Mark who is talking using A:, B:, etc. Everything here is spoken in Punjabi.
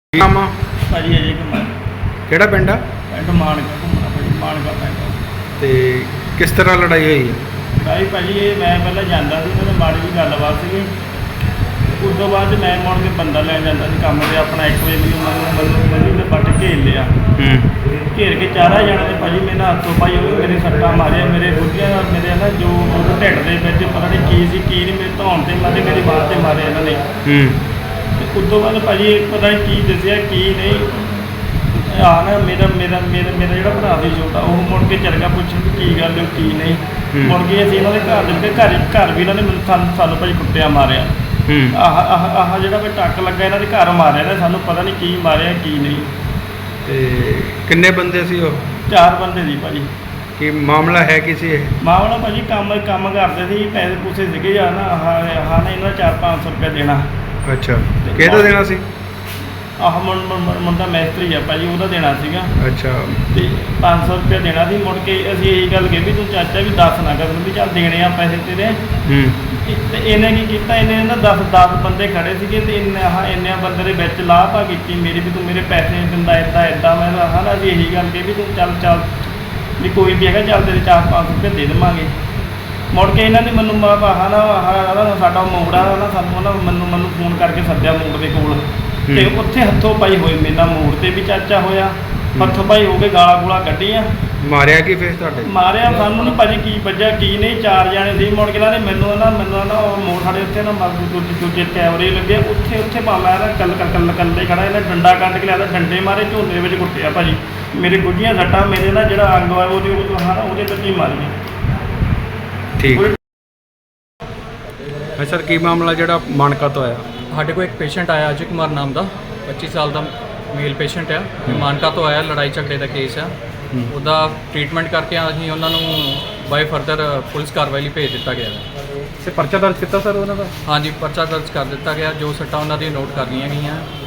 A: ਕੀ ਨਾਮ ਆ
B: ਭਾਜੀ ਅਜੇ ਕੁਮਾਰ
A: ਕਿਹੜਾ ਪਿੰਡ ਆ
B: ਪਿੰਡ ਮਾਨਕਾ ਘੁੰਮਣਾ ਭਾਜੀ ਮਾਨਕਾ ਪਿੰਡ।
A: ਤੇ ਕਿਸ ਤਰ੍ਹਾਂ ਲੜਾਈ ਹੋਈ ਹੈ?
B: ਭਾਜੀ ਇਹ ਮੈਂ ਪਹਿਲਾਂ ਜਾਂਦਾ ਸੀ ਤੇ ਮਾੜੀ ਜਿਹੀ ਗੱਲਬਾਤ ਸੀਗੀ। ਉਸ ਤੋਂ ਬਾਅਦ ਮੈਂ ਮੁੜ ਕੇ ਬੰਦਾ ਲੈਣ ਜਾਂਦਾ ਸੀ ਕੰਮ ਤੇ ਆਪਣਾ 1 ਵਜੇ ਮੈਨੂੰ ਤੇ ਵੱਟ ਘੇਰ ਲਿਆ। ਘੇਰ ਕੇ ਚਾਰਾ ਜਾਣੇ ਤੇ ਭਾਜੀ ਮੇਰੇ ਨਾਲ ਹੱਥੋਂ ਪਾਈ ਹੋਈ ਮੇਰੇ ਸੱਟਾਂ ਮਾਰਿਆ ਮੇਰੇ ਗੁੱਡੀਆਂ ਮੇਰੇ ਨਾ ਜੋ ਢਿੱਡ ਦੇ ਵਿੱਚ ਪਤਾ ਨਹੀਂ ਕੀ ਸੀ ਕੀ ਨਹੀਂ ਮੇਰੇ ਧੌਣ ਤੇ ਮਾਰੇ ਮੇਰੀ ਬਾਂਹ ਤੇ ਮਾਰੇ ਇਹਨਾਂ ਨੇ। ਉਸ ਤੋਂ ਬਾਅਦ ਭਾਜੀ ਪਤਾ ਨਹੀਂ ਕੀ ਦੱਸਿਆ ਕੀ ਨਹੀਂ ਆ ਨਾ ਮੇਰਾ ਜਿਹੜਾ ਭਰਾ ਸੀ ਛੋਟਾ ਉਹ ਮੁੜ ਕੇ ਚੱਲ ਗਿਆ ਪੁੱਛਣ ਵੀ ਕੀ ਗੱਲ ਕੀ ਨਹੀਂ। ਮੁੜ ਕੇ ਅਸੀਂ ਇਹਨਾਂ ਦੇ ਘਰ ਦੇ ਵਿੱਚ ਘਰ ਵੀ ਇਹਨਾਂ ਨੇ ਸਾਨੂੰ ਭਾਜੀ ਕੁੱਟਿਆ ਮਾਰਿਆ। ਆਹ ਜਿਹੜਾ ਵੀ ਟੱਕ ਲੱਗਾ ਇਹਨਾਂ ਦੇ ਘਰ ਮਾਰਿਆ ਨੇ ਸਾਨੂੰ ਪਤਾ ਨਹੀਂ ਕੀ ਮਾਰਿਆ ਕੀ ਨਹੀਂ।
A: ਤੇ ਕਿੰਨੇ ਬੰਦੇ ਸੀ ਉਹ?
B: 4 ਬੰਦੇ ਸੀ ਭਾਜੀ।
A: ਕੀ ਮਾਮਲਾ ਹੈ ਕੀ ਸੀ ਇਹ?
B: ਮਾਮਲਾ ਭਾਜੀ ਕੰਮ ਕਰਦੇ ਸੀ ਪੈਸੇ ਪੂਸੇ ਸੀਗੇ ਜਾਂ ਨਾ ਆਹ ਨੇ ਇਹਨਾਂ 400-500 ਰੁਪਇਆ ਦੇਣਾ।
A: ਅੱਛਾ ਕਿਹਦਾ ਦੇਣਾ ਸੀ?
B: ਆਹ ਮੁੰਡਾ ਮੈਸਤਰੀ ਆ ਭਾਜੀ ਉਹਦਾ ਦੇਣਾ ਸੀਗਾ।
A: ਅੱਛਾ
B: ਤੇ 500 ਰੁਪਇਆ ਦੇਣਾ ਸੀ। ਮੁੜ ਕੇ ਅਸੀਂ ਇਹੀ ਗੱਲ ਕਹੀ ਵੀ ਤੂੰ ਚਾਚਾ ਵੀ ਦੱਸ ਨਾ ਕਰ ਵੀ ਚੱਲ ਦੇਣੇ ਆ ਪੈਸੇ ਤੇਰੇ। ਤੇ ਇਹਨੇ ਕੀ ਕੀਤਾ ਇਹਨੇ ਨਾ 10 ਬੰਦੇ ਖੜੇ ਸੀਗੇ ਤੇ ਇੰਨੇ ਬੰਦੇ ਦੇ ਵਿੱਚ ਲਾਪਾ ਕੀਤੀ ਮੇਰੀ ਵੀ ਤੂੰ ਮੇਰੇ ਪੈਸੇ ਨਹੀਂ ਦਿੰਦਾ ਇੱਦਾਂ ਮੈਂ ਨਾ ਅਸੀਂ ਇਹੀ ਗੱਲ ਕਹੀ ਵੀ ਤੂੰ ਚੱਲ ਵੀ ਕੋਈ ਵੀ ਹੈਗਾ ਚੱਲ ਤੇਰੇ 400-500 ਰੁਪਏ ਦੇ ਦੇਵਾਂਗੇ। ਮੁੜ ਕੇ ਇਹਨਾਂ ਨੇ ਮੈਨੂੰ ਸਾਡਾ ਮੋੜਾ ਨਾ ਸਾਨੂੰ ਮੈਨੂੰ ਫੋਨ ਕਰਕੇ ਸੱਦਿਆ ਮੋੜ ਦੇ ਕੋਲ ਤੇ ਉੱਥੇ ਹੱਥੋਂ ਪਾਈ ਹੋਈ ਮੇਰੇ ਨਾਲ ਮੋੜ ਤੇ ਵੀ ਚਾਚਾ ਹੋਇਆ ਹੱਥੋਂ ਪਾਈ ਹੋ ਕੇ ਗਾਲਾਂ ਗੂਲਾਂ ਕੱਢੀਆਂ।
A: ਮਾਰਿਆ ਕੀ ਫੇਰ ਤੁਹਾਡੇ?
B: ਮਾਰਿਆ ਸਾਨੂੰ ਨਹੀਂ ਭਾਜੀ ਕੀ ਵੱਜਿਆ ਕੀ ਨਹੀਂ 4 ਜਾਣੇ ਸੀ। ਮੁੜ ਕੇ ਇਹਨਾਂ ਨੇ ਮੈਨੂੰ ਨਾ ਉਹ ਮੋੜ ਸਾਡੇ ਉੱਥੇ ਨਾ ਦੂਜੇ ਕੈਮਰੇ ਲੱਗੇ ਉੱਥੇ ਭਾਵੇਂ ਨਾ ਕੱਲੇ ਖੜਾ ਇਹਨੇ ਡੰਡਾ ਕੱਢ ਕੇ ਲਿਆ ਡੰਡੇ ਮਾਰੇ ਝੋਲੇ ਵਿੱਚ ਕੁੱਟਿਆ ਭਾਜੀ। ਮੇਰੇ ਗੁੱਡੀਆਂ ਸੱਟਾਂ ਮੇਰੇ ਨਾ ਜਿਹੜਾ ਅੰਗ ਆ ਉਹਦੇ ਵਿੱਚ ਹੀ ਮਾਰੀਆਂ।
A: ਠੀਕ ਹੈ ਸਰ ਕੀ ਮਾਮਲਾ ਜਿਹੜਾ ਮਾਨਕਾ ਤੋਂ ਆਇਆ?
C: ਸਾਡੇ ਕੋਲ ਇੱਕ ਪੇਸ਼ੈਂਟ ਆਇਆ ਅਜੇ ਕੁਮਾਰ ਨਾਮ ਦਾ 25 ਸਾਲ ਦਾ ਮੇਲ ਪੇਸ਼ੈਂਟ ਆ ਮਾਨਕਾ ਤੋਂ ਆਇਆ। ਲੜਾਈ ਝਗੜੇ ਦਾ ਕੇਸ ਆ ਉਹਦਾ ਟ੍ਰੀਟਮੈਂਟ ਕਰਕੇ ਅਸੀਂ ਉਹਨਾਂ ਨੂੰ ਬਾਈ ਫਰਦਰ ਪੁਲਿਸ ਕਾਰਵਾਈ ਲਈ ਭੇਜ ਦਿੱਤਾ ਗਿਆ।
A: ਸੇ ਪਰਚਾ ਦਰਜ ਕੀਤਾ ਸਰ ਉਹਨਾਂ ਦਾ?
C: ਹਾਂਜੀ ਪਰਚਾ ਦਰਜ ਕਰ ਦਿੱਤਾ ਗਿਆ। ਜੋ ਸੱਟਾਂ ਉਹਨਾਂ ਦੀਆਂ ਨੋਟ ਕਰ ਲਈਆਂ ਗਈਆਂ।